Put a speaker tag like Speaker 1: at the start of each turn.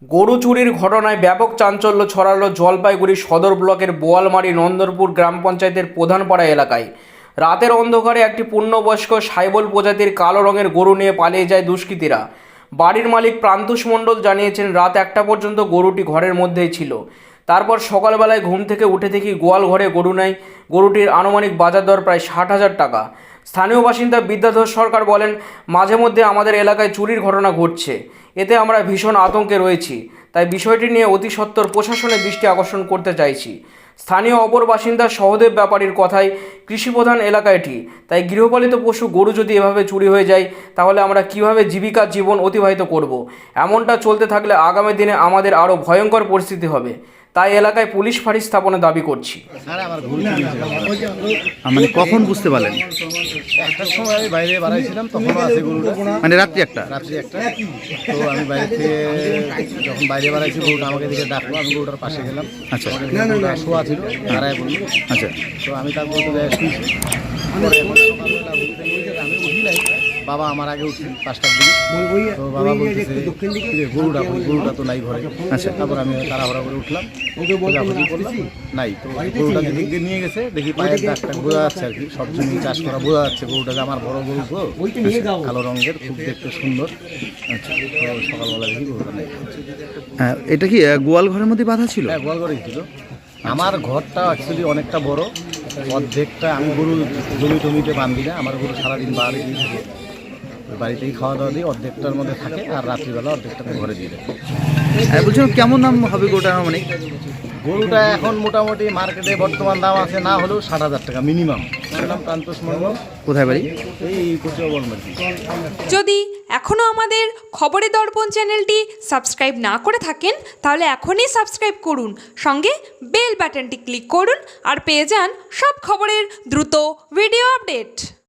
Speaker 1: গরু চুরির ঘটনায় ব্যাপক চাঞ্চল্য ছড়ালো জলপাইগুড়ি সদর ব্লকের বোয়ালমারি নন্দরপুর গ্রাম পঞ্চায়েতের প্রধানপাড়া এলাকায়। রাতের অন্ধকারে একটি পূর্ণবয়স্ক সাইবল প্রজাতির কালো রঙের গরু নিয়ে পালিয়ে যায় দুষ্কৃতীরা। বাড়ির মালিক প্রান্তুষ মণ্ডল জানিয়েছেন, রাত 1টা পর্যন্ত গরুটি ঘরের মধ্যেই ছিল। তারপর সকালবেলায় ঘুম থেকে উঠে দেখি গোয়াল ঘরে গরু নেই। গরুটির আনুমানিক বাজার দর প্রায় 60,000 টাকা। স্থানীয় বাসিন্দা বিদ্যাধর সরকার বলেন, মাঝে মধ্যে আমাদের এলাকায় চুরির ঘটনা ঘটছে, এতে আমরা ভীষণ আতঙ্কে রয়েছি। তাই বিষয়টি নিয়ে অতি সত্বর প্রশাসনের দৃষ্টি আকর্ষণ করতে চাইছি। স্থানীয় অপর বাসিন্দা সহদেব ব্যাপারীর কথায়, কৃষিপ্রধান এলাকা এটি, তাই গৃহপালিত পশু গরু যদি এভাবে চুরি হয়ে যায় তাহলে আমরা কিভাবে জীবিকার জীবন অতিবাহিত করব। এমনটা চলতে থাকলে আগামী দিনে আমাদের আরও ভয়ঙ্কর পরিস্থিতি হবে। তাই এলাকায় পুলিশ ফাঁড়ি স্থাপনের দাবি করছি।
Speaker 2: মানে কখন বুঝতে পারলেন?
Speaker 3: একটার সময় আমি বাইরে বাড়াইছিলাম, তখনও আছে গরুটা,
Speaker 2: মানে রাত্রি একটা।
Speaker 3: তো আমি বাইরে থেকে যখন বাইরে বাড়াইছি গরুটা আমাকে দিকে ডাকলো, আমি গরুটার পাশে গেলাম।
Speaker 2: আচ্ছা,
Speaker 3: গরুটা শোয়া ছিল, দাঁড়ায় বললো।
Speaker 2: আচ্ছা,
Speaker 3: তো আমি তারপর তো শুয়েছি। আমি উঠি নাই, বাবা আমার আগে উঠছি 5টার দিকে। তো বাবা বলতেছে গরুটা তো নাই ঘরে।
Speaker 2: আচ্ছা,
Speaker 3: তারপর আমি তাড়াহুড়া করে উঠলাম, খোঁজাখুঁজি করলাম, নাই। তো গরুটা দিক দিয়ে নিয়ে গেছে, দেখি পায়ের দাগটা বোঝা যাচ্ছে আর কি, সব জমি চাষ করা বোঝা যাচ্ছে। গরুটাকে আমার বড় গরু তো, কালো রঙের, খুব দেখতে সুন্দর। আচ্ছা, তো সকালবেলা দেখি গরুটা নেই।
Speaker 2: হ্যাঁ, এটা কি গোয়াল ঘরের মধ্যে বাঁধা ছিল?
Speaker 3: হ্যাঁ, গোয়াল ঘরেই ছিল। আমার ঘরটা অ্যাকচুয়ালি অনেকটা বড়, অর্ধেকটা আমি গরু জমিতে বাঁধি না, আমার গরু সারাদিন বাড়িতেই থাকে, বাড়িতেই খাওয়া দাওয়া দিই, অর্ধেকটার মধ্যে থাকে, আর রাত্রিবেলা অর্ধেকটা ঘরে দিয়ে দেয়।
Speaker 2: বলছিলাম কেমন দাম হবে গরুটার? মানে
Speaker 3: গরুটা এখন মোটামুটি মার্কেটে বর্তমান দাম আছে না হলেও 60,000 টাকা মিনিমাম। নাম প্রান্তোষ মণ্ডল।
Speaker 2: কোথায় বাড়ি?
Speaker 3: এই কুচিয়া বলমারি।
Speaker 4: যদি এখনও আমাদের খবরের দর্পণ চ্যানেলটি সাবস্ক্রাইব না করে থাকেন তাহলে এখনই সাবস্ক্রাইব করুন, সঙ্গে বেল বাটনটি ক্লিক করুন আর পেয়ে যান সব খবরের দ্রুত ভিডিও আপডেট।